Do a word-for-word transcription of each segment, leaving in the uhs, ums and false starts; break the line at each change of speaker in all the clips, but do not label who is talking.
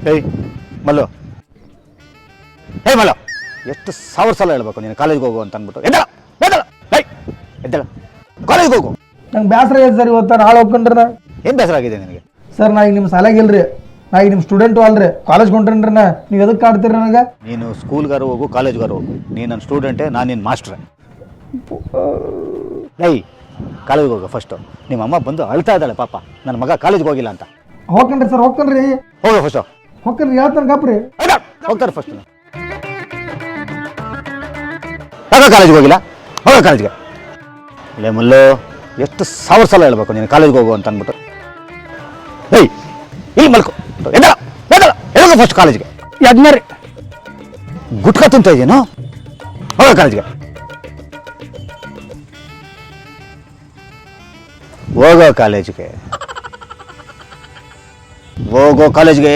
ಹೇಯ್ ಮಲ್ಲು, ಹೇ ಮಲ್ಲು, ಎಷ್ಟು ಸಾವಿರ ಸಲ ಹೇಳ್ಬೇಕು ನೀನು ಕಾಲೇಜ್ಗೆ ಹೋಗು ಅಂತ ಅಂದ್ಬಿಟ್ಟು. ಎದ್ದಳ ಎದ್ದಳ ಹೇ ಎದ್ದಳ ಕಾಲೇಜ್ಗೆ ಹೋಗು.
ನಂಗೆ ಬೇಸರ ಇದೆ ಸರ್, ಇವತ್ತು ನಾಳೆ ಹೋಗ್ಕೊಂಡ್ರೆ
ಏನು ಬೇಸರ ಆಗಿದೆ ನಿನಗೆ?
ಸರ್ ನಾ ಈಗ ನಿಮ್ಮ ಸಾಲಾಗಿಲ್ರಿ, ನಾ ಈಗ ನಿಮ್ಮ ಸ್ಟೂಡೆಂಟು ಅಲ್ರಿ, ಕಾಲೇಜ್ ಕೊಂಡ್ರಿ ನಾ. ನೀವು ಎದಕ್ಕೆ ಕಾಡ್ತೀರಿ ನನಗೆ?
ನೀನು ಸ್ಕೂಲ್ಗಾರು ಹೋಗು, ಕಾಲೇಜ್ಗಾರು ಹೋಗು, ನೀನು ನನ್ನ ಸ್ಟೂಡೆಂಟೇ, ನಾನು ನಿನ್ನ ಮಾಸ್ಟ್ರೆ. ಲೈ ಕಾಲೇಜ್ಗೆ ಹೋಗು ಫಸ್ಟು. ನಿಮ್ಮ ಅಮ್ಮ ಬಂದು ಅಳ್ತಾ ಇದ್ದಾಳೆ ಪಾಪ, ನನ್ನ ಮಗ ಕಾಲೇಜ್ಗೆ ಹೋಗಿಲ್ಲ ಅಂತ.
ಹೋಗ್ಕಂಡ್ರಿ ಸರ್, ಹೋಗ್ಕಂಡ್ರಿ
ಹೋಗು ಫಸ್ಟು.
ಹೋಗ್ಕಂಡ್ರಿ ಹೇಳ್ತಾನೆ ಗಪ್ರಿ.
ಹೋಗ್ತಾರೆ ಫಸ್ಟ್. ಯಾಕ ಕಾಲೇಜ್ಗೆ ಹೋಗಿಲ್ಲ? ಹೋಗೋ ಕಾಲೇಜ್ಗೆ. ಲೇ ಮಲ್ಲು, ಎಷ್ಟು ಸಾವಿರ ಸಲ ಹೇಳ್ಬೇಕು ನೀನು ಕಾಲೇಜ್ಗೆ ಹೋಗು ಅಂತ ಅಂದ್ಬಿಟ್ಟು. ಏಯ್ ಇಲ್ಲಿ ಮಲ್ಕೊ, ಎದ್ದಳ ಎದ್ದಳ ಎದಗ ಫಸ್ಟ್ ಕಾಲೇಜ್ಗೆ.
ಯಜ್ಞರಿ
ಗುಟ್ಕ ತಿಂತ ಇದೆಯೇನು? ಹೋಗೋ ಕಾಲೇಜ್ಗೆ. ಹೋಗೋ ಕಾಲೇಜ್ಗೆ ಹೋಗೋ ಕಾಲೇಜ್ಗೆ.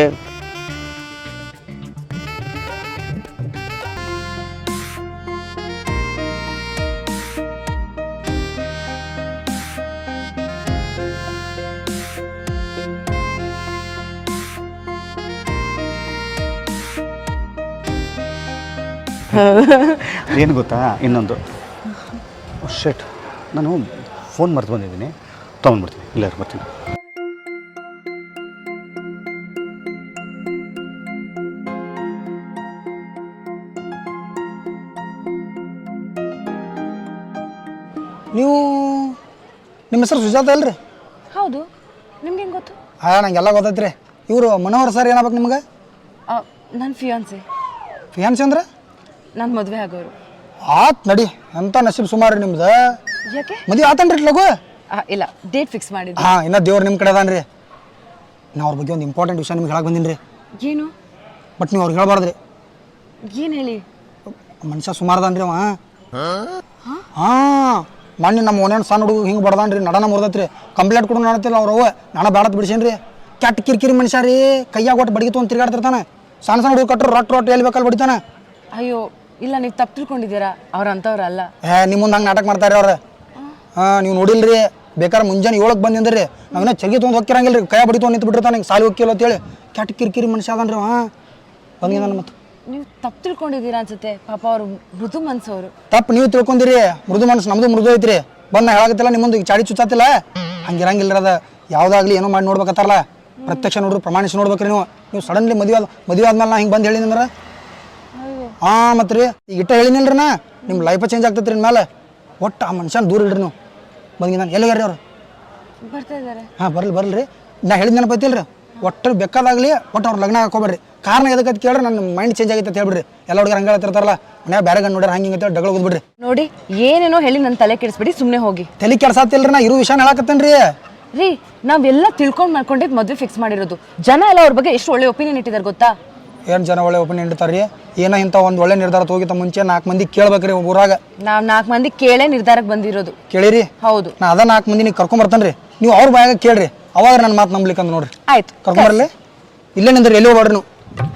ಏನು ಗೊತ್ತಾ, ಇನ್ನೊಂದು ಶೆಟ್, ನಾನು ಫೋನ್ ಮರ್ತು ಬಂದಿದ್ದೀನಿ, ತೊಗೊಂಡ್ಬಿಡ್ತೀನಿ. ಇಲ್ಲ ಬರ್ತೀನಿ.
ನೀವು ನಿಮ್ಮ ಹೆಸರು ಸುಜಾತ ಅಲ್ರಿ?
ಹೌದು, ನಿಮ್ಗೆ ಹೆಂಗೆ ಗೊತ್ತು?
ಹಾಂ ನಂಗೆಲ್ಲ ಗೊತ್ತೈತ್ರಿ. ಇವರು ಮನೋಹರ್ ಸರ್ ಏನಾಗ್ಬೇಕು ನಿಮ್ಗೆ?
ನನ್ನ ಫಿಯಾನ್ಸಿ.
ಫಿಯಾನ್ಸಿ ಅಂದ್ರೆ?
ನನ್ನ ಮದುವೆ ಆಗೋರು.
ಆತ್ ನಡಿ, ಎಂಥ ನಸೀಬ್ ಸುಮಾರು ನಿಮ್ದು.
ಯಾಕೆ?
ಮದುವೆ ಆತನ್ರಿ ಲಗು?
ಇಲ್ಲ, ಡೇಟ್ ಫಿಕ್ಸ್ ಮಾಡಿದ್ದೆ.
ಹಾಂ, ಇನ್ನೂ ದೇವ್ರು ನಿಮ್ಮ ಕಡೆ ಅದಾನ್ರಿ. ನಾ ಅವ್ರ ಬಗ್ಗೆ ಒಂದು ಇಂಪಾರ್ಟೆಂಟ್ ವಿಷಯ ನಿಮ್ಗೆ ಹೇಳಕ್ಕೆ ಬಂದೀನಿ ರೀ.
ಏನು?
ಬಟ್ ನೀವು ಅವ್ರಿಗೆ ಹೇಳ್ಬಾರ್ದ್ರಿ.
ಏನು ಹೇಳಿ?
ಮನುಷ್ಯ ಸುಮಾರು ಅದಾನ್ರಿ ಅವ. ಹಾಂ, ಮೊನ್ನೆ ನಮ್ಮ ಓನೇನು ಸಣ್ಣ ಹುಡುಗ ಹಿಂಗೆ ಬಡ್ದಾನ್ರಿ, ನಡನ ಮುರ್ದತ್ರಿ. ಕಂಪ್ಲೇಂಟ್ ಕೊಡು ನಾನತ್ತಿಲ್ಲ ಅವ್ರು ಅವ್ವ, ನಾನು ಬೇಡತ್ ಬಿಡಿಸೇನ್ರಿ. ಕೆಟ್ಟ ಕಿರಿಕಿರಿ ಮನುಷ್ಯ ರೀ, ಕೈಯಾಗ ಒಟ್ಟು ಬಡಿಗೆ ತೊಗೊಂಡು ತಿರ್ಗಾಡ್ತಿರ್ತಾನೆ. ಸಣ್ಣ ಸಣ್ಣ ಹುಡುಗ ಕಟ್ಟರು ರೊಟ್ಟು ರೊಟ್ಟು ಎಲ್ಲಿ ಬೇಕಲ್ಲಿ ಬಡಿತಾನೆ.
ಅಯ್ಯೋ ಇಲ್ಲ, ನೀವು ತಪ್ಪು ತಿಳ್ಕೊಂಡಿದ್ದೀರಾ, ಅವ್ರ ಅಂಥವ್ರು ಅಲ್ಲ.
ಏ ನಿಮ್ಮ ಮುಂದೆ ಹಂಗೆ ನಾಟಕ ಮಾಡ್ತಾರೆ ಅವ್ರು. ಹಾಂ, ನೀವು ನೋಡಿಲ್ರಿ, ಬೇಕಾದ್ರೆ ಮುಂಜಾನೆ ಏಳಕ್ಕೆ ಬಂದಿಂದ್ರಿ, ನಾವಿನ್ನ ಚರ್ಗಿ ತೊಗೊಂಡು ಹೋಗ್ತಿರಂಗಿಲ್ಲ ರೀ, ಕೈ ಬಡಿ ತೊಗೊಂಡು ನಿಂತು ಬಿಟ್ಟಿರ್ತಾನೆ, ಹಿಂಗೆ ಸಾಲಿ ಹೋಗಿಲ್ಲ ಅಂತೇಳಿ. ಕೆಟ್ಟ ಕಿರಿಕಿರಿ ಮನುಷ್ಯ ಅದನ್ರಿ. ಹಾಂ ಬಂದಿದ್ದ ನಾನು. ಮತ್ತೆ
ನೀವು ತಪ್ಪು ತಿಳ್ಕೊಂಡಿದ್ದೀರಾ ಅನ್ಸುತ್ತೆ. ಪಾಪ ಅವರು ಮೃದು ಮನ್ಸವರು.
ತಪ್ಪು ನೀವು ತಿಳ್ಕೊಂಡಿರಿ, ಮೃದು ಮನಸ್ಸು ನಮ್ಮದು ಮೃದು ಐತ್ರಿ. ಬಂದು ನಾ ಹೇಳಾಗತ್ತಿಲ್ಲ ನಿಮ್ಮ ಮುಂದೆ ಚಾಡಿ ಚುಚ್ಚಾತಿಲ್ಲ, ಹಂಗಿರಂಗಿಲ್ಲ ಅದ. ಯಾವುದಾಗ್ಲಿ ಏನೋ ಮಾಡಿ ನೋಡ್ಬೇಕತ್ತಾರಲ್ಲ, ಪ್ರತ್ಯಕ್ಷ ನೋಡ್ರಿ, ಪ್ರಮಾಣಿಸಿ ನೋಡ್ಬೇಕ್ರಿ ನೀವು. ನೀವು ಸಡನ್ಲಿ ಮದುವೆ ಆದ ಮದುವೆ ಆದ್ಮೇಲೆ ನಾ ಹಿಂಗೆ ಬಂದು ಹೇಳಿದ್ರೆ ಹಾಂ ಮತ್ತೆ ರೀ, ಈಗ ಇಟ್ಟ ಹೇಳಿನಿಲ್ರಿ ನಾ, ನಿಮ್ಮ ಲೈಫ ಚೇಂಜ್ ಆಗ್ತೈತ್ರಿ ಇನ್ಮೇಲೆ. ಒಟ್ಟು ಆ ಮನುಷ್ಯನ ದೂರ ಇಡ್ರಿ ನೀವು. ಬಂದಿ ನಾನು ಎಲ್ಲಿಗಾರಿ ಅವ್ರು?
ಬರ್ತಾ ಇದ್ದಾರೆ.
ಹಾಂ ಬರ್ಲಿ ಬರ್ಲಿ ರೀ, ನಾ ಹೇಳಿದ ನೆನಪೈತಿಲ್ಲ ರೀ. ಒಟ್ಟು ಬೇಕಾದಾಗಲಿ ಒಟ್ಟು ಅವ್ರು ಲಗ್ನ ಹಾಕೋಬೇಡ್ರಿ. ಕಾರಣ ಎದಕ್ಕೆ ಅಂತ ಕೇಳ್ರಿ, ನನ್ನ ಮೈಂಡ್ ಚೇಂಜ್ ಆಗೈತೆ ಅಂತ ಹೇಳ್ಬಿಡ್ರಿ. ಎಲ್ಲ ಹುಡುಗರು ಹಂಗೆ ಹೇಳ್ತಿರ್ತಾರಲ್ಲ, ಮನ್ಯಾಗ ಬೇರೆ ಗಂಡು ನೋಡ್ರಿ ಹಂಗೆ ಹಿಂಗೆ ಡಗಳು ಹೋಗ್ಬಿಡ್ರಿ.
ನೋಡಿ, ಏನೇನೋ ಹೇಳಿ ನನ್ನ ತಲೆ ಕೆಡಿಸ್ಬಿಡಿ, ಸುಮ್ಮನೆ ಹೋಗಿ.
ತಲೆ ಕೆಡ್ಸಾತಿಲ್ರಿ, ನಾ ಇರೋ ವಿಷಯ ಹೇಳಕತ್ತೇನೆ ರೀ.
ರೀ, ನಾವೆಲ್ಲ ತಿಳ್ಕೊಂಡು ಮಾಡ್ಕೊಂಡಿದ್ದು ಮದುವೆ ಫಿಕ್ಸ್ ಮಾಡಿರೋದು. ಜನ ಎಲ್ಲ ಅವ್ರ ಬಗ್ಗೆ ಎಷ್ಟು ಒಳ್ಳೆ ಒಪಿನಿಯನ್ ಇಟ್ಟಿದ್ದಾರೆ ಗೊತ್ತಾ?
ಏನು ಜನ ಒಳ್ಳೆ ಒಪಿನಿಯನ್ ಇಡ್ತಾರೆ ರೀ. ಏನೋ ಇಂಥ ಒಂದು ಒಳ್ಳೆ ನಿರ್ಧಾರ ಹೋಗಿತ್ತ ಮುಂಚೆ ನಾಲ್ಕು ಮಂದಿ ಕೇಳ್ಬೇಕ್ರಿ ಊರಾಗ.
ನಾವು ನಾಲ್ಕು ಮಂದಿ ಕೇಳೇ ನಿರ್ಧಾರಕ್ಕೆ ಬಂದಿರೋದು.
ಕೇಳಿರಿ?
ಹೌದು.
ನಾ ಅದ ನಾಲ್ಕು ಮಂದಿ ನೀವು ಕರ್ಕೊಂಬರ್ತಾನೆ ರೀ, ನೀವು ಅವ್ರ ಬಾಯಾಗ ಕೇಳ್ರಿ, ಅವಾಗ ನನ್ನ ಮಾತು ನಂಬ್ಲಿಕ್ಕೆ ಅಂತ ನೋಡ್ರಿ.
ಆಯ್ತು,
ಕರ್ಕೊಂಬರ್ಲಿ. ಇಲ್ಲೇ ನಿಂದ್ರಿ, ಎಲ್ಲಿ ಹೋಗ್ಬೇಡ್ರಿ ನೀವು.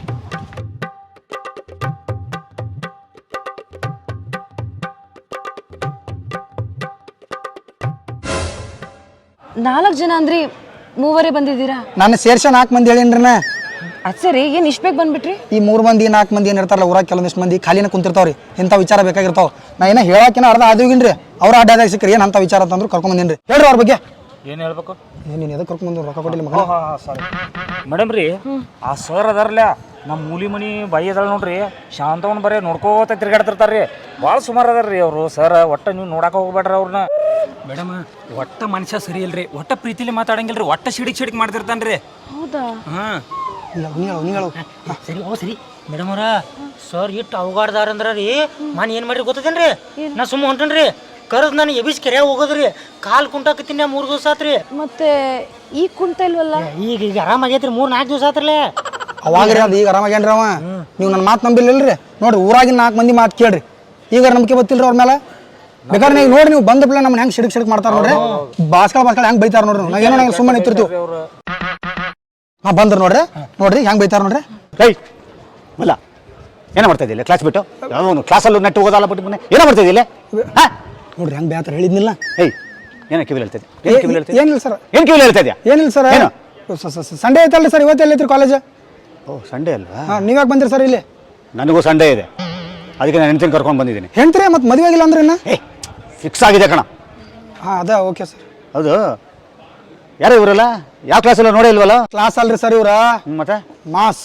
ನಾಲ್ಕು ಜನ ಅಂದ್ರಿ, ಮೂವರೇ ಬಂದಿದ್ದೀರಾ?
ನಾನು ಸೇರ್ಸ ನಾಲ್ಕು ಮಂದಿ ಹೇಳೀನ್ರಿ ನಾ.
ಅದು ಸರಿ, ಏನು ಇಷ್ಟು ಬೇಗ ಬಂದ್ಬಿಟ್ರಿ?
ಈ ಮೂರು ಮಂದಿ ನಾಲ್ಕು ಮಂದಿ ಏನು ಇರ್ತಾರಲ್ಲ ಊರಾಗ, ಕೆಲವೊಂದಿಷ್ಟು ಮಂದಿ ಖಾಲಿನ ಕುಂತಿರ್ತಾವ್ರಿ, ಇಂಥ ವಿಚಾರ ಬೇಕಾಗಿರ್ತಾವ. ನಾ ಏನೋ ಹೇಳೋಕಿನ ಅರ್ಧ ಆದಿಗಿನ್ರಿ, ಅವ್ರ ಅಡ್ಡಾದಾಗ ಸಿಕ್ಕರಿ ಏನು ಅಂತ ವಿಚಾರ ಅಂತಂದ್ರು ಕರ್ಕೊಂಬಂದಿನ್ರಿ. ಹೇಳ್ರಿ ಅವ್ರ ಬಗ್ಗೆ.
ಏನು ಹೇಳ್ಬೇಕು?
ಏನು ನೀನು ಎದಕ್ಕೆ ಕರ್ಕೊಂಬಂದು ರೊಕ್ಕ ಕೊಟ್ಟಿಲ್ಲ ಮಗ?
ಸಾರಿ ಮೇಡಮ್ ರೀ, ಆ ಸರ್ ಅದಾರಲ್ಲ ನಮ್ಮ ಮೂಲಿ ಮನಿ ಬಾಯಿ ಅದಾಳ ನೋಡ್ರಿ, ಶಾಂತವನ್ ಬರೀ ನೋಡ್ಕೋತ ತಿರ್ಗಾಡ್ತಿರ್ತಾರ್ರಿ. ಭಾಳ ಸುಮಾರು ಅದಾರ ರೀ ಅವರು ಸರ್. ಒಟ್ಟು ನೀವು ನೋಡಕ್ಕೆ ಹೋಗ್ಬೇಡ್ರಿ ಅವ್ರನ್ನ. ಮೇಡಮ್ ಒಟ್ಟ ಮನುಷ್ಯ ಸರಿ ಇಲ್ರಿ, ಒಟ್ಟ ಪ್ರೀತಿಲಿ ಮಾತಾಡಂಗಿಲ್ರಿ, ಒಟ್ಟ ಸಿಡಿಕ್ ಸಿಡಿಕ್ ಮಾಡ್ತಿರ್ತಾನ್ರಿ.
ಹೌದಾ?
ಹಾಂ
ನೀ ಹೇಳು ನೀ ಹೇಳು
ಸರಿ ಓ ಸರಿ ಮೇಡಮ್ ಅವ್ರ, ಸರ್ ಇಟ್ಟು ಅವಗಾಡ್ದಾರ ಅಂದ್ರ ರೀ, ನಾನು ಏನು ಮಾಡ್ರಿ ಗೊತ್ತದೇನ್ರಿ? ನಾ ಸುಮ್ಮ ಹೊಂಟೇನ್ರಿ, ಕರೆದು ನಾನು ಎಬಿಸ್ ಕೆರೆ ಹೋಗೋದ್ರಿ, ಕಾಲು ಕುಂಟಾಕತ್ತೀನಿ ಮೂರು ದಿವಸ ಆತ್ರಿ.
ಮತ್ತೆ ಈಗ ಕುಂತ ಇಲ್ವಲ್ಲ?
ಈಗ ಈಗ ಆರಾಮಾಗೈತ್ರಿ, ಮೂರು ನಾಲ್ಕು ದಿವಸ ಆತ್ರಲ್ಲೇ.
ಅವಾಗ್ರಿ ಅದು ಈಗ ಆರಾಮಾಗೇನ್ರಿ ಅವ. ನೀವು ನನ್ನ ಮಾತು ನಂಬಿಲ್ಲಲ್ರಿ. ನೋಡ್ರಿ ಊರಾಗಿನ ನಾಲ್ಕು ಮಂದಿ ಮಾತು ಕೇಳ್ರಿ, ಈಗ ನಂಬಿಕೆ ಗೊತ್ತಿಲ್ರಿ ಅವ್ರ ಮೇಲೆ. ಬೇಕಾದ್ರೆ ನೀವು ನೋಡಿ, ನೀವು ಬಂದ ಪ್ಲೇ ನಮ್ಮನ್ನ ಹೆಂಗೆ ಸಿಡಿಕ್ ಸಿಡಿಕ್ ಮಾಡ್ತಾರ ನೋಡ್ರಿ, ಬಾಸ್ಕಳ ಬಾಸ್ಕಳ ಹೆಂಗೆ ಬೈತಾರ ನೋಡ್ರಿ. ನಾವು ಏನೋ ನಂಗೆ ಸುಮ್ಮನೆ ನಿಂತಿರ್ತೀವಿ. ಹಾಂ ಬಂದ್ರು ನೋಡ್ರಿ, ನೋಡ್ರಿ ಹೆಂಗೆ ಬೈತಾರ ನೋಡ್ರಿ.
ರೈ ಮಲ್ಲ, ಏನೋ ಮಾಡ್ತಾ ಇದ್ದಿಲ್ಲ ಕ್ಲಾಸ್ ಬಿಟ್ಟು? ಯಾವ ಕ್ಲಾಸಲ್ಲೂ ನೆಟ್ಟು ಹೋಗೋದಲ್ಲ ಬಿಟ್ಟು ಮೊನ್ನೆ ಏನೋ ಮಾಡ್ತಾ ಇದ್ದಿಲ್ಲ? ಹಾಂ
ನೋಡ್ರಿ ಹೆಂಗೆ ಬೇತಾರ ಹೇಳಿದ್ನಿಲ್ಲ.
ಏಯ್ ಏನೋ ಕಿವಿಲ್ ಹೇಳ್ತಿದ್ದೆ? ಏನು ಕಿವಿಲ್ ಹೇಳ್ತಿದ್ದೆ?
ಏನಿಲ್ಲ ಸರ್.
ಏನು ಕಿವಿಲ್ ಹೇಳ್ತಾ ಇದೆಯಾ?
ಏನಿಲ್ಲ ಸರ್, ಸಂಡೇ ಐತಲ್ರಿ ಸರ್, ಇವತ್ತು ಎಲ್ಲೈತ್ರಿ ಕಾಲೇಜ್?
ಓ ಸಂಡೇ ಅಲ್ವಾ?
ಹಾಂ ನೀವ್ಯಾಕೆ ಬಂದಿರಿ ಸರ್ ಇಲ್ಲಿ?
ನನಗೂ ಸಂಡೇ ಇದೆ, ಅದಕ್ಕೆ ನಾನು ಹೆಂಡ್ತಿನ ಕರ್ಕೊಂಡು ಬಂದಿದ್ದೀನಿ.
ಹೆಂಡ್ರಿ ಮತ್ತೆ ಮದುವೆ ಆಗಿಲ್ಲ ಅಂದ್ರೆ ಇನ್ನ?
ಏ ಫಿಕ್ಸ್ ಆಗಿದೆ ಕಣ.
ಹಾಂ ಅದ ಓಕೆ ಸರ್.
ಹೌದು, ಯಾರು ಇವರಲ್ಲ? ಯಾವ ಕ್ಲಾಸಲ್ಲ ನೋಡೇ ಇಲ್ವಲ್ಲ?
ಕ್ಲಾಸ್ ಅಲ್ರಿ ಸರ್ ಇವ್ರ
ಹ್ಮ್, ಮತ್ತೆ
ಮಾಸ್.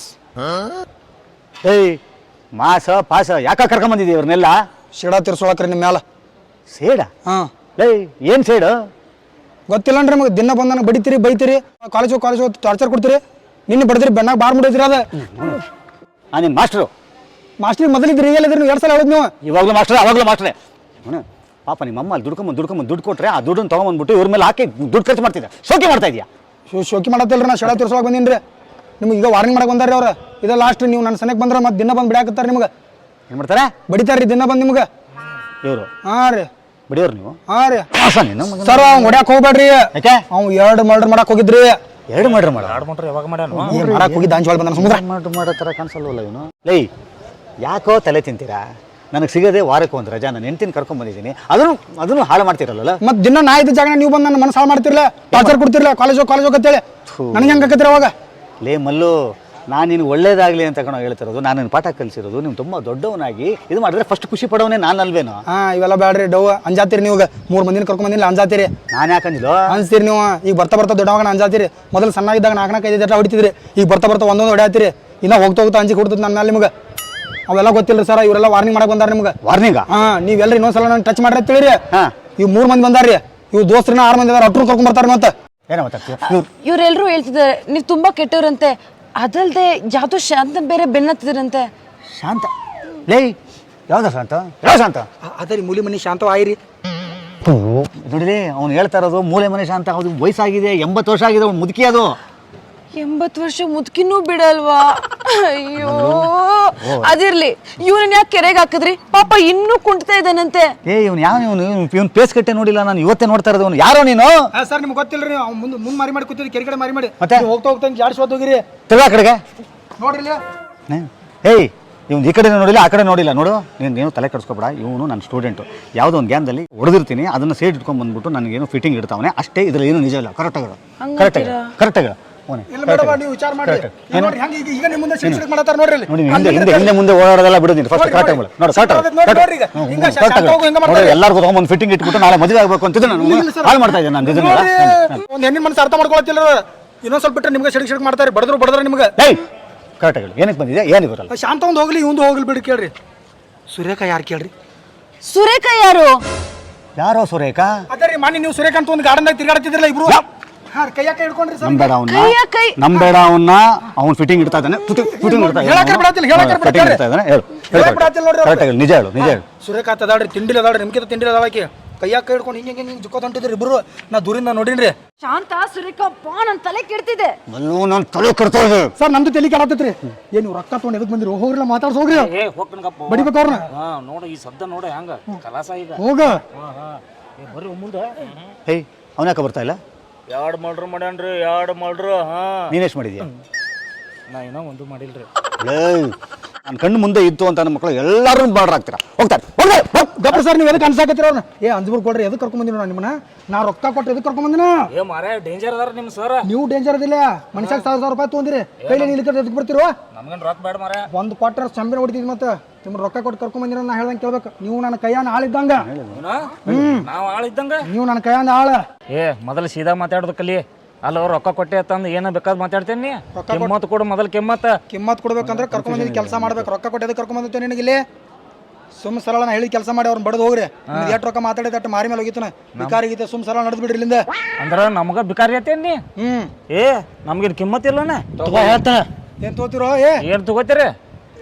ಏಯ್ ಮಾಸ ಪಾಸ ಯಾಕೆ ಕರ್ಕೊಂಡ್ ಬಂದಿದ್ದೀವಿ ಇವ್ರನ್ನೆಲ್ಲ?
ಶಿಡ ತಿರ್ಸೋಳಕ್ರಿ ನಿಮ್ಮ ಮ್ಯಾಲ.
ಸೇಡ?
ಹಾಂ
ಏಯ್ ಏನು ಸೇಡು?
ಗೊತ್ತಿಲ್ಲನ್ರಿ ನಿಮಗೆ, ದಿನ ಬಂದನ ಬಡಿತೀರಿ ಬೈತೀರಿ, ಕಾಲೇಜ್ ಹೋಗಿ ಕಾಲೇಜ್ ಹೋಗಿ ಟಾರ್ಚರ್ ಕೊಡ್ತೀರಿ. ನಿನ್ನೆ ಬಡದ್ರಿ ಬೆನ್ನಾಗ ಬಾರ್ ಮುಡಿದ್ರಿ ಅದ.
ನಾನು ನಿಮ್ಮ ಮಾಸ್ಟ್ರು.
ಮಾಸ್ಟ್ರಿ ಮೊದಲಿದ್ರಿ ಈಗಲ್ಲಿದ್ರಿ ನೀವು ಎರಡು ಸಲ ಹೇಳಿದ್ ನೀವು.
ಇವಾಗಲೂ ಮಾಸ್ಟ್ರೆ ಅವಾಗಲೂ ಮಾಸ್ಟ್ರೆ. ಅವನು ಪಾಪ ನಿಮ್ಮ ಅಮ್ಮ ಅಲ್ಲಿ ದುಡ್ಕೊಂಬಂದು ದುಡ್ಕೊಂಬಂದು ದುಡ್ಡು ಕೊಟ್ಟರೆ ಆ ದುಡ್ಡನ್ನು ತೊಗೊಂಬಂದ್ಬಿಟ್ಟು ಇವ್ರ ಮೇಲೆ ಹಾಕಿ ದುಡ್ಡು ಖರ್ಚು ಮಾಡ್ತಿದ್ದೆ. ಶೋಕಿ ಮಾಡ್ತಾ ಇದೆಯಾ?
ಶೋ ಶೋಕಿ ಮಾಡತ್ತಿಲ್ರಿ, ನಾ ಶಿಡ ತಿರ್ಸೋಳಕ್ಕೆ ಬಂದೀನಿ ರೀ. ನಿಮ್ಗೆ ಈಗ ವಾರ್ನಿಂಗ್ ಮಾಡಕ್ಕೆ ಬಂದಾರ್ರಿ ಅವ್ರು. ಇದು ಲಾಸ್ಟ್ ನೀವು ನನ್ನ ಸನಕ್ಕೆ ಬಂದ್ರೆ ಮತ್ತೆ ದಿನ ಬಂದು ಬಿಡಾಕತ್ತಾರೆ ನಿಮ್ಗೆ.
ಏನು ಮಾಡ್ತಾರೆ?
ಬಡಿತಾರ್ರಿ ದಿನ ಬಂದು ನಿಮ್ಗೆ.
ಇವರು
ಹಾಂ ರೀ.
ಬಿಡಿಯೋರು ನೀವು?
ಹಾಂ ರೀ
ಮಾಸ ನೀನು ಮಗನ.
ಸರ್ ಅವ್ನು ಹೊಡ್ಯಾಕೆ ಹೋಗ್ಬೇಡ್ರಿ.
ಯಾಕೆ?
ಅವ್ನು ಎರಡು ಮರ್ಡರ್ ಮಾಡಕ್ಕೆ ಹೋಗಿದ್ರಿ.
ಎರಡು ಮಾಡ್ರಿ ಮಾಡ
ಆಡ್ ಮಾಡ್ರಿ ಯಾವಾಗ ಮಾಡ್ಯಾನ?
ಏನು ಮಾಡಕ್ಕೆ ಹೋಗಿದ್ದ ಅಂಜವಾಳ ಬಂದ ಸಮುದ್ರ.
ಮಾಡ್ರಿ ಮಾಡೋ ಥರ ಕಾಣಿಸಲ್ವಲ್ಲ ಇವನು. ಲೈ ಯಾಕೋ ತಲೆ ತಿಂತೀರಾ? ನನಗೆ ಸಿಗೋದೇ ವಾರಕ್ಕೆ ಒಂದು ರಜಾ, ನಾನು ಹೆಂಡ್ತಿನ ಕರ್ಕೊಂಡ್ ಬಂದಿದ್ದೀನಿ, ಅದನ್ನು ಅದನ್ನು ಹಾಳು ಮಾಡ್ತಿರಲ್ಲ.
ಮತ್ತೆ ದಿನ ನಾ ಇದ್ದ ಜಾಗ ನೀವು ಬಂದು ನನ್ನ ಮನಸ್ಸು ಹಾಳು ಮಾಡ್ತಿರ್ಲ, ಟಾರ್ಚರ್ ಕೊಡ್ತಿರ್ಲ, ಕಾಲೇಜ್ ಹೋಗಿ ಕಾಲೇಜ್ ಹೋಗತ್ತೇಳಿ ನನಗೆ ಹೆಂಗೆ ಹಾಕತ್ತೀರ ಅವಾಗ?
ಲೇ ಮಲ್ಲು, ನಾನು ನಿನಗೆ ಒಳ್ಳೇದಾಗಲಿ ಅಂತ ಕಣೋ ಹೇಳ್ತಿರೋದು, ನಾನು ನಿನ್ನ ಪಾಠ ಕಲಿಸಿರೋದು. ನೀವು ತುಂಬ ದೊಡ್ಡವನಾಗಿ ಇದು ಮಾಡಿದ್ರೆ ಫಸ್ಟ್ ಖುಷಿ ಪಡೋನೇ ನಾನು ಅಲ್ವೇನೋ?
ಹಾಂ ಇವೆಲ್ಲ ಬೇಡ್ರಿ ಡವ್ ಅಂಜಾತೀರಿ ನೀವು. ಮೂರು ಮಂದಿನ ಕರ್ಕೊಂಡ್ ಬಂದಿಲ್ಲ ಅಂಜಾತೀರಿ.
ನಾನು ಯಾಕಂದಿಲ್ಲೋ
ಅನ್ಸ್ತೀರಿ ನೀವು. ಈಗ ಬರ್ತಾ ಬರ್ತಾ ದೊಡ್ಡವಾಗ ಅಂಜಾತೀರಿ. ಮೊದಲು ಸಣ್ಣಾಗಿದ್ದಾಗ ನಾಲ್ಕು ನಾಲ್ಕು ಐದು ಜಟ ಹೊಡಿತಿದ್ರಿ, ಈಗ ಬರ್ತಾ ಬರ್ತಾ ಒಂದೊಂದು ಹೊಡ್ಯಾತೀರಿ. ಇನ್ನ ಹೋಗ್ತಾ ಹೋಗ್ತಾ ಅಂಜಿಕೆ ಕೊಡ್ತದೆ ನನ್ನ ಮೇಲೆ ನಿಮ್ಗೆ. ಅವೆಲ್ಲ ಗೊತ್ತಿಲ್ಲ ಸರ್, ಇವರೆಲ್ಲ ವಾರ್ನಿಂಗ್ ಮಾಡಕ್ಕೆ ಬಂದಾರ ನಿಮ್ಗೆ.
ವಾರ್ನಿಂಗ?
ಹಾಂ ನೀವೆಲ್ಲ ಇನ್ನೊಂದ್ಸಲ ನಾನು ಟಚ್ ಮಾಡ್ರಿ ತಿಳಿರಿ.
ಹಾಂ
ಇವ್ ಮೂರು ಮಂದಿ ಬಂದಾರ್ರಿ, ಇವ್ ದೋಸ್ತ್ರನ ಆರು ಮಂದಿ ಅದಾರ, ಅಟ್ರು ಕರ್ಕೊಂಡ್ ಬರ್ತಾರೆ ಮತ್ತೆ.
ಏನೋ ಮಾತಾಡ್ತೀಯ?
ಇವ್ರೆಲ್ರೂ ಹೇಳ್ತಿದ್ದಾರೆ ನೀವು ತುಂಬಾ ಕೆಟ್ಟವ್ರಂತೆ, ಅದಲ್ದೆ ಯಾವ್ದೋ ಶಾಂತನ್ ಬೇರೆ ಬೆನ್ನತ್ತಿದ್ರಂತೆ.
ಶಾಂತ? ಲೇ ಯಾವ್ದ ಶಾಂತ? ಯಾವ ಶಾಂತ?
ಅದೇ ರೀ ಮೂಲಿ ಮನಿ ಶಾಂತ ಆಯ್ರಿ.
ನೋಡಿರಿ ಅವ್ನು ಹೇಳ್ತಾ ಇರೋದು ಮೂಲೆ ಮನೆ ಶಾಂತ. ಹೌದು, ವಯಸ್ಸಾಗಿದೆ, ಎಂಬತ್ತು ವರ್ಷ ಆಗಿದೆ, ಅವ್ನು ಮುದುಕಿ ಅದು.
ಎಂಬತ್ತು ವರ್ಷ ಮುದುಕಿನೂ ಬಿಡಲ್ವಾ? ಅಯ್ಯೋ ಅದಿರ್ಲಿ, ಇವನನ್ನ ಯಾಕೆ ಕೆರೆಗೆ ಹಾಕಿದ್ರಿ? ಪಾಪ ಇನ್ನೂ ಕುಂಟ್ತಾ ಇದ್ದಾನಂತೆ.
ಏ ಇವ್ನು ಯಾವ ಇವನು ಇವ್ನು ಪೇಸ್ ಕಟ್ಟೆ ನೋಡಿಲ್ಲ, ನಾನು ಇವತ್ತೇ ನೋಡ್ತಾ ಇರೋದು. ಅವ್ನು ಯಾರೋ ನೀನು?
ಸರ್ ನಿಮ್ಗೆ ಗೊತ್ತಿಲ್ಲ ರೀ, ಅವ್ನು ಮುಂದೆ ಮುಂದೆ ಮಾರಿ ಮಾಡಿ ಕೂತಿದ್ರಿ, ಕೆರೆ ಕಡೆ ಮಾರಿ ಮಾಡಿ
ಮತ್ತೆ?
ನೀವು ಹೋಗ್ತಾ ಹೋಗ್ತಾ ಜಾಡ್ಸ್ವತ್ತು ಹೋಗಿರಿ
ತಿರ್ಗಾ ಆ ಕಡೆಗೆ
ನೋಡ್ರಿ ಇಲ್ಲಿ.
ಏಯ್ ಇವ್ನು ಈ ಕಡೆ ನೋಡಿಲ್ಲ, ಆ ಕಡೆ ನೋಡಿಲ್ಲ ನೋಡು. ನೀನು ಏನು ತಲೆ ಕೆಡಿಸ್ಕೊಬೇಡ. ಇವನು ನನ್ನ ಸ್ಟೂಡೆಂಟು. ಯಾವುದೋ ಒಂದು ಗ್ಯಾನ್ದಲ್ಲಿ ಹೊಡೆದಿರ್ತೀನಿ, ಅದನ್ನು ಸೈಡ್ ಇಟ್ಕೊಂಡು ಬಂದ್ಬಿಟ್ಟು ನನಗೇನು ಫಿಟ್ಟಿಂಗ್ ಇಡ್ತಾವನೆ ಅಷ್ಟೇ. ಇದ್ರಲ್ಲಿ ಏನು ನಿಜ ಇಲ್ಲ. ಕರೆಕ್ಟಾಗಿ ಕರೆಕ್ಟಾಗಿ ಕರೆಕ್ಟಾಗಿ
ಇಲ್ಲ ಮೇಡಮ್ ನೀವು ವಿಚಾರ ಮಾಡಿ ನೋಡ್ರಿ ಹೆಂಗೆ ಈಗ ಈಗ ನಿಮ್ಮ ಮುಂದೆ ಶಿಕ್ಷಕ ಮಾಡತಾರ ನೋಡ್ರಿ ಇಲ್ಲಿ.
ನೋಡಿ ಹಿಂದೆ ಹಿಂದೆ ಹಿಂದೆ ಮುಂದೆ ಓಡಾಡೋದೆಲ್ಲ ಬಿಡೋದಿಲ್ಲ. ಫಸ್ಟ್ ಕರೆಕ್ಟಾಗಿ ನೋಡಿ ಕರೆಕ್ಟಾಗಿ ಎಲ್ಲರಿಗೂ ಒಂದು ಫಿಟ್ಟಿಂಗ್ ಇಟ್ಬಿಟ್ಟು ನಾಳೆ ಮದುವೆ ಆಗಬೇಕು ಅಂತಿದ್ದು ನಾನು ಹಾಳು ಮಾಡ್ತಾ ಇದ್ದೇನೆ. ನಾನು ಇದನ್ನೆಲ್ಲ
ಒಂದು ಹೆಣ್ಣಿನ ಮನಸ್ಸು ಅರ್ಥ ಮಾಡ್ಕೊಳತ್ತಿಲ್ಲ. ಇನ್ನೊಂದು ಸ್ವಲ್ಪ ಬಿಟ್ಟರೆ ನಿಮ್ಗೆ ಶಿಕ್ಷಕ ಮಾಡ್ತಾರೆ, ಬಡದ್ರು ಬಡದ್ರೆ ನಿಮ್ಗೆ.
ಏಯ್ ಕರೆಕ್ಟಾಗಿ ಏನಕ್ಕೆ ಬಂದಿದೆ? ಏನು ಬರಲ್ಲ.
ಶಾಂತ ಒಂದು ಹೋಗ್ಲಿ, ಇವಂದು ಹೋಗ್ಲಿ ಬಿಡಿ. ಕೇಳ್ರಿ ಸುರೇಖ ಯಾರು ಕೇಳ್ರಿ?
ಸುರೇಖ ಯಾರು?
ಯಾರೋ ಸುರೇಖ?
ಅದೇ ರೀ ಮಾನಿ ನೀವು ಸುರೇಖ ಅಂತ ಒಂದು ಗಾರ್ಡನ್ದಾಗ ತಿರ್ಗಾಡ್ತಿದ್ರಲ್ಲ ಇಬ್ರು. ಹಾ ಕೈಯಾಕ ಹಿಡ್ಕೊಂಡ್ರಿ ಸರ್.
ನಂಬೇಡ ಅವನ್ನ,
ಕೈಯ ಕೈ
ನಂಬೇಡ ಅವನ್ನ. ಅವ್ನು ಫಿಟ್ಟಿಂಗ್ ಇಡ್ತಾ ಇದ್ದಾನೆ, ಫಿಟ್ಟಿಂಗ್ ಇಡ್ತಾ
ಹೇಳಕ್ಕೆ ಬಿಡಾತಿಲ್ಲ, ಹೇಳಕ್ಕೆ
ಫಿಟ್ಟಿಂಗ್ ಇಡ್ತಾ ಇದ್ದಾನೆ. ಹೇಳು
ಹೇಳಕ್ಕೆ ಬಿಡಾತಿಲ್ಲ ನೋಡ್ರಿ.
ಕರೆಕ್ಟಾಗಿ ನಿಜ ಹೇಳು, ನಿಜ ಹೇಳು.
ಸುರೇಖ ಅದಾಳ್ರಿ, ತಿಂಡಿಲ್ ಅದಾಳ್ರಿ, ನಿಮ್ಗಿಂತ ತಿಂಡಿಲ್ ಅದಾಳಕಿ. ಕೈಯಾಕ ಹಿಡ್ಕೊಂಡು ಹಿಂಗೆ ಹಿಂಗೆ ಹಿಂಗೆ ಜುಕ್ಕೋತ ಹೊಂಟಿದ್ರಿ ಇಬ್ರು. ನಾ ದೂರಿಂದ ನೋಡಿನ್ರಿ.
ಶಾಂತ ಸುರೇಖ ಪಾ ನನ್ನ ತಲೆ ಕೆಡ್ತಿದೆ.
ಮಲ್ಲು ನನ್ನ ತಲೆ ಕಡ್ತಾ ಇದೆ.
ಸರ್ ನಮ್ದು ತಲೆ ಕೆಡತೈತ್ರಿ. ಏನು ನೀವು ರೊಕ್ಕ ತೊಗೊಂಡು ಎದಕ್ಕೆ ಬಂದಿರಿ? ಹೋಗ್ರಲ್ಲ ಮಾತಾಡ್ಸ ಹೋಗ್ರಿ.
ಏ ಹೋಗ್ತನಕಪ್ಪ,
ಬಡಿಬೇಕು ಅವ್ರನ್ನ.
ಹಾ ನೋಡ ಈ ಶಬ್ದ ನೋಡ ಹೆಂಗ ಕಲಾಸ ಈಗ.
ಹೋಗ
ಹಾ ಹಾ ಬರ್ರಿ ಮುಂದೆ.
ಹೇಯ್ ಅವನ ಯಾಕೆ ಬರ್ತಾ ಇಲ್ಲ?
ಎರಡು ಮಲ್ಡ್ರು ಮಾಡ್ಯಾನ್ರಿ, ಎರಡು ಮಲ್ಡ್ರು. ಹಾ
ನೀನೆಷ್ಟು ಮಾಡಿದ್ಯಾ?
ನಾ ಏನೋ ಒಂದು ಮಾಡಿಲ್ರಿ.
ನನ್ನ ಕಣ್ಣು ಮುಂದೆ ಇತ್ತು ಅಂತ ನನ್ನ ಮಕ್ಕಳು ಎಲ್ಲರೂ ಬಾರ್ಡರ್ ಆಗ್ತೀರಾ. ಹೋಗ್ತಾರೆ
ಗಪ್ಪ ಸರ್ ನೀವು ಎದಕ್ಕೆ ಅನ್ಸಾಕತ್ತೀರ ಅವ್ರನ್ನ? ಏ ಅಂಜಬೂರ್ ಕೊಡ್ರಿ, ಎದಕ್ಕೆ ಕರ್ಕೊಂಡ್ ಬಂದಿನ ನಿಮ್ಮನ್ನ? ನಾ ರೊಕ್ಕ ಕೊಟ್ಟು ಎದಕ್ಕೆ ಕರ್ಕೊಂಡ್ ಬಂದಿನ?
ಏ ಮಾರೇ ಡೇಂಜರ್ ಅದಾರ ನಿಮ್ ಸರ್.
ನೀವು ಡೇಂಜರ್ ಅದಿಲ್ಲ. ಮನುಷ್ಯಾಗ ಸಾವಿರ ಸಾವಿರ ರೂಪಾಯಿ ತೊಗೊಂದಿರಿ, ಕೈಲಿ ನಿಲ್ಕ ಎದಕ್ಕೆ ಬರ್ತಿರೋ?
ನಮ್ಗೇನು ರೊಕ್ಕ ಬೇಡ ಮಾರೇ.
ಒಂದು ಕ್ವಾರ್ಟರ್ ಚಂಬಿನ ಹೊಡಿತಿದ್ ಮತ್ತೆ ನಿಮ್ಮ ರೊಕ್ಕ ಕೊಟ್ಟು ಕರ್ಕೊಂಡ್ ಬಂದಿರ. ನಾ ಹೇಳ್ದಂಗೆ ಕೇಳ್ಬೇಕು. ನೀವು ನನ್ನ ಕೈಯಾನ ಆಳಿದ್ದಂಗ.
ನಾವು ಆಳಿದ್ದಂಗ
ನೀವು ನನ್ನ ಕೈಯಾನ ಆಳ.
ಏ ಮೊದಲು ಸೀದಾ ಮಾತಾಡೋದು ಕಲಿ. ಅಲ್ಲ ರೊಕ್ಕ ಕೊಟ್ಟೆ ಅಂತಂದು ಏನೋ ಬೇಕಾದ್ ಮಾತಾಡ್ತೇನೆ. ಕೆಮ್ಮತ್ ಕೊಡು ಮೊದಲು ಕೆಮ್ಮತ್ತ.
ಕಿಮ್ಮತ್ ಕೊಡ್ಬೇಕಂದ್ರೆ ಕರ್ಕೊಂಡ್ ಬಂದಿದ್ದು ಕೆಲಸ ಮಾಡ್ಬೇಕು. ರೊಕ್ಕ ಕೊಟ್ಟು ಎದಕ್ಕೆ ಕರ್ಕೊಂಡ್ ಬಂದಿತ್ತು ನಿನಗಿಲ್ಲಿ? ಸುಮ್ ಸರಳ ನಾ ಹೇಳಿ ಕೆಲಸ ಮಾಡಿ ಅವ್ರನ್ನ ಬಡದು ಹೋಗ್ರಿ. ಎಷ್ಟು ರೊಕ್ಕ ಮಾತಾಡಿದ ಅಟ್ಟು ಮಾರಿ ಮೇಲೆ ಹೋಗಿತ್ತು. ಬಿಕಾರಿಗಿತ್ತೆ, ಸುಮ್ ಸರಳ ನಡೆದು ಬಿಡ್ರಿ ಇಲ್ಲಿಂದ.
ಅಂದ್ರ ನಮಗ ಬಿಕಾರಿ ಐತೇನಿ.
ಹ್ಮ್
ಏ ನಮ್ಗೇನು ಕಿಮ್ಮತ್ ಇಲ್ಲನ?
ಹೇಳ್ತಾನ
ಏನ್ ತಗೋತಿರೋ? ಏ
ಏನ್ ತಗೋತೀರಿ?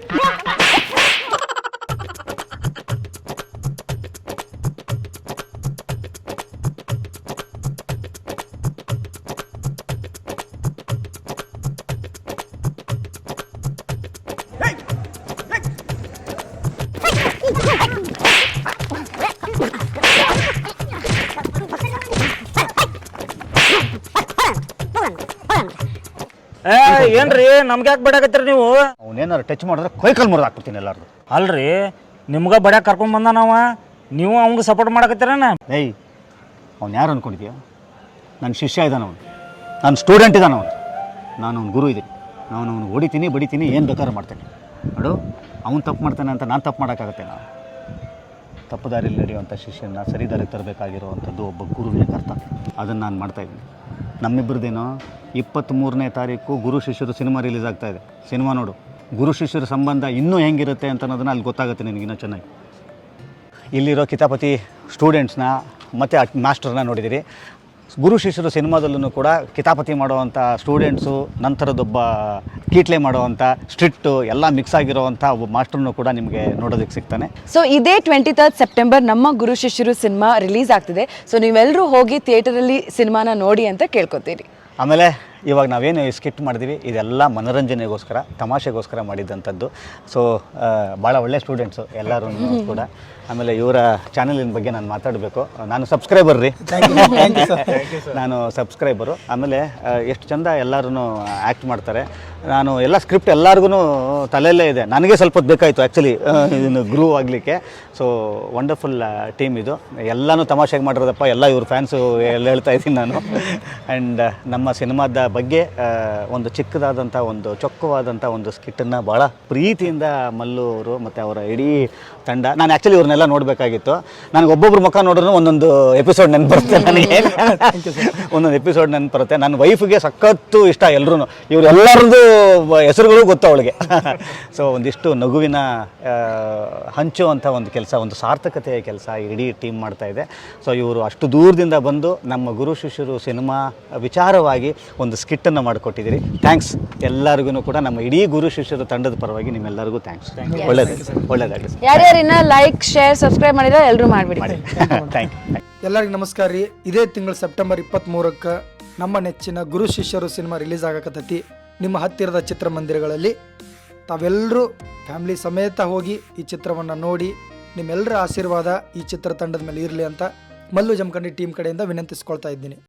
ಏ ಏನ್ರಿ ನಮ್ಗೆ ಯಾಕೆ ಬಡಾಕತ್ತೀರಿ ನೀವು?
ಅವನೇನಾರು ಟಚ್ ಮಾಡಿದ್ರೆ ಕೈಕಲ್ ಮುರಿದು ಹಾಕ್ಬಿಡ್ತೀನಿ ಎಲ್ಲಾರು.
ಅಲ್ರಿ ನಿಮ್ಗ ಬಡ್ಯಾಕ ಕರ್ಕೊಂಡ್ ಬಂದ ನಾವ, ನೀವು ಅವಂಗ ಸಪೋರ್ಟ್ ಮಾಡಕತ್ತೀರನ?
ಏಯ್ ಅವ್ನು ಯಾರು ಅನ್ಕೊಂಡಿದ್ಯಾ? ನನ್ನ ಶಿಷ್ಯ ಇದ್ದಾನೆ ಅವನು, ನನ್ನ ಸ್ಟೂಡೆಂಟ್ ಇದ್ದಾನೆ ಅವನು, ನಾನು ಅವ್ನ ಗುರು ಇದ್ದೀನಿ. ನಾನು ಅವನು ಹೊಡಿತೀನಿ ಬಡಿತೀನಿ ಏನು ಬೇಕಾದ್ರೂ ಮಾಡ್ತೇನೆ ನೋಡು. ಅವ್ನು ತಪ್ಪು ಮಾಡ್ತಾನೆ ಅಂತ ನಾನು ತಪ್ಪು ಮಾಡೋಕ್ಕಾಗತ್ತೆ? ನಾವು ತಪ್ಪು ದಾರಿಯಲ್ಲಿ ನಡೆಯುವಂಥ ಶಿಷ್ಯನ ಸರಿ ದಾರಿಗೆ ತರಬೇಕಾಗಿರುವಂಥದ್ದು ಒಬ್ಬ ಗುರುವಿನ ಕರ್ತವ್ಯ. ಅದನ್ನು ನಾನು ಮಾಡ್ತಾಯಿದ್ದೀನಿ. ನಮ್ಮಿಬ್ಬರದೇನೋ ಇಪ್ಪತ್ತ್ಮೂರನೇ ತಾರೀಕು ಗುರು ಶಿಷ್ಯರು ಸಿನಿಮಾ ರಿಲೀಸ್ ಆಗ್ತಾಯಿದೆ. ಸಿನಿಮಾ ನೋಡು. ಗುರು ಶಿಷ್ಯರ ಸಂಬಂಧ ಇನ್ನೂ ಹೆಂಗಿರುತ್ತೆ ಅಂತ ಅನ್ನೋದನ್ನು ಅಲ್ಲಿ ಗೊತ್ತಾಗುತ್ತೆ ನಿನಗಿನ್ನೂ ಚೆನ್ನಾಗಿ. ಇಲ್ಲಿರೋ ಕಿತಾಪತಿ ಸ್ಟೂಡೆಂಟ್ಸ್ನ ಮತ್ತು ಮಾಸ್ಟರ್ನ ನೋಡಿದ್ದೀರಿ. ಗುರು ಶಿಷ್ಯರು ಸಿನಿಮಾದಲ್ಲೂ ಕೂಡ ಕಿತಾಪತಿ ಮಾಡುವಂಥ ಸ್ಟೂಡೆಂಟ್ಸು, ನಂತರದೊಬ್ಬ ಕೀಟ್ಲೆ ಮಾಡುವಂಥ ಸ್ಟ್ರಿಕ್ಟು ಎಲ್ಲ ಮಿಕ್ಸ್ ಆಗಿರೋವಂಥ ಒಬ್ಬ ಮಾಸ್ಟರ್ನು ಕೂಡ ನಿಮಗೆ ನೋಡೋದಕ್ಕೆ ಸಿಗ್ತಾನೆ.
ಸೊ ಇದೇ ಟ್ವೆಂಟಿ ತರ್ಡ್ ಸೆಪ್ಟೆಂಬರ್ ನಮ್ಮ ಗುರು ಶಿಷ್ಯರು ಸಿನಿಮಾ ರಿಲೀಸ್ ಆಗ್ತಿದೆ. ಸೊ ನೀವೆಲ್ಲರೂ ಹೋಗಿ ಥಿಯೇಟರಲ್ಲಿ ಸಿನಿಮಾನ ನೋಡಿ ಅಂತ ಕೇಳ್ಕೊತೀರಿ.
ಆಮೇಲೆ ಇವಾಗ ನಾವೇನು ಸ್ಕಿಟ್ ಮಾಡಿದ್ವಿ ಇದೆಲ್ಲ ಮನೋರಂಜನೆಗೋಸ್ಕರ, ತಮಾಷೆಗೋಸ್ಕರ ಮಾಡಿದ್ದಂಥದ್ದು. ಸೊ ಭಾಳ ಒಳ್ಳೆ ಸ್ಟೂಡೆಂಟ್ಸು ಎಲ್ಲರೂ ಕೂಡ. ಆಮೇಲೆ ಇವರ ಚಾನಲಿನ ಬಗ್ಗೆ ನಾನು ಮಾತಾಡಬೇಕು. ನಾನು ಸಬ್ಸ್ಕ್ರೈಬರ್ ರೀ. ನಾನು ಸಬ್ಸ್ಕ್ರೈಬರು. ಆಮೇಲೆ ಎಷ್ಟು ಚಂದ ಎಲ್ಲರೂ ಆ್ಯಕ್ಟ್ ಮಾಡ್ತಾರೆ. ನಾನು ಎಲ್ಲ ಸ್ಕ್ರಿಪ್ಟ್ ಎಲ್ಲರಿಗೂ ತಲೆಯಲ್ಲೇ ಇದೆ. ನನಗೆ ಸ್ವಲ್ಪ ಹೊತ್ತು ಬೇಕಾಯಿತು ಆ್ಯಕ್ಚುಲಿ ಇದನ್ನು ಗ್ರೂ ಆಗಲಿಕ್ಕೆ. ಸೊ ವಂಡರ್ಫುಲ್ ಟೀಮ್ ಇದು. ಎಲ್ಲನೂ ತಮಾಷೆಗೆ ಮಾಡಿರೋದಪ್ಪ, ಎಲ್ಲ ಇವ್ರ ಫ್ಯಾನ್ಸು ಎಲ್ಲ ಹೇಳ್ತಾ ಇದ್ದೀನಿ ನಾನು. ಆ್ಯಂಡ್ ನಮ್ಮ ಸಿನಿಮಾದ ಬಗ್ಗೆ ಒಂದು ಚಿಕ್ಕದಾದಂಥ ಒಂದು ಚೊಕ್ಕವಾದಂಥ ಒಂದು ಸ್ಕಿಟ್ಟನ್ನು ಭಾಳ ಪ್ರೀತಿಯಿಂದ ಮಲ್ಲು ಅವರು ಮತ್ತು ಅವರ ಇಡೀ ತಂಡ, ನಾನು ಆ್ಯಕ್ಚುಲಿ ಇವ್ರನ್ನೆಲ್ಲ ನೋಡಬೇಕಾಗಿತ್ತು. ನನಗೆ ಒಬ್ಬೊಬ್ರು ಮುಖ ನೋಡಿದ್ರು ಒಂದೊಂದು ಎಪಿಸೋಡ್ ನೆನಪು ಬರುತ್ತೆ ನನಗೆ. ಒಂದೊಂದು ಎಪಿಸೋಡ್ ನೆನಪು ಬರುತ್ತೆ. ನನ್ನ ವೈಫ್ಗೆ ಸಖತ್ತು ಇಷ್ಟ ಎಲ್ಲರೂ. ಇವರೆಲ್ಲರದ್ದು ಹೆಸರುಗಳು ಗೊತ್ತು ಅವಳಿಗೆ. ಸೊ ಒಂದಿಷ್ಟು ನಗುವಿನ ಹಂಚುವಂಥ ಒಂದು ಕೆಲಸ, ಒಂದು ಸಾರ್ಥಕತೆಯ ಕೆಲಸ ಇಡೀ ಟೀಮ್ ಮಾಡ್ತಾ ಇದೆ. ಸೊ ಇವರು ಅಷ್ಟು ದೂರದಿಂದ ಬಂದು ನಮ್ಮ ಗುರು ಶಿಷ್ಯರು ಸಿನಿಮಾ ವಿಚಾರವಾಗಿ ಒಂದು ಸ್ಕಿಟ್ಟನ್ನು ಮಾಡಿಕೊಟ್ಟಿದ್ದೀರಿ. ಥ್ಯಾಂಕ್ಸ್ ಎಲ್ಲರಿಗೂ ಕೂಡ. ನಮ್ಮ ಇಡೀ ಗುರು ಶಿಷ್ಯರು ತಂಡದ ಪರವಾಗಿ ನಿಮ್ಮೆಲ್ಲರಿಗೂ ಥ್ಯಾಂಕ್ಸ್. ಒಳ್ಳೆಯದು ಒಳ್ಳೆಯದಾಗಲಿ.
ಯಾರ್ಯಾರಿನ ಲೈಕ್, ಶೇರ್, ಸಬ್ಸ್ಕ್ರೈಬ್ ಮಾಡಿದ್ರೆ ಎಲ್ಲರೂ ಮಾಡಿಬಿಡಿ.
Thank you.
ಎಲ್ಲರಿಗೂ ನಮಸ್ಕಾರ ರೀ. ಇದೇ ತಿಂಗಳು ಸೆಪ್ಟೆಂಬರ್ ಇಪ್ಪತ್ತ್ಮೂರಕ್ಕೆ ನಮ್ಮ ನೆಚ್ಚಿನ ಗುರು ಶಿಷ್ಯರು ಸಿನಿಮಾ ರಿಲೀಸ್ ಆಗಕತ್ತೈತಿ. ನಿಮ್ಮ ಹತ್ತಿರದ ಚಿತ್ರಮಂದಿರಗಳಲ್ಲಿ ತಾವೆಲ್ಲರೂ ಫ್ಯಾಮಿಲಿ ಸಮೇತ ಹೋಗಿ ಈ ಚಿತ್ರವನ್ನು ನೋಡಿ ನಿಮ್ಮೆಲ್ಲರ ಆಶೀರ್ವಾದ ಈ ಚಿತ್ರತಂಡದ ಮೇಲೆ ಇರಲಿ ಅಂತ ಮಲ್ಲು ಜಮಖಂಡಿ ಟೀಮ್ ಕಡೆಯಿಂದ ವಿನಂತಿಸ್ಕೊಳ್ತಾ ಇದ್ದೀನಿ.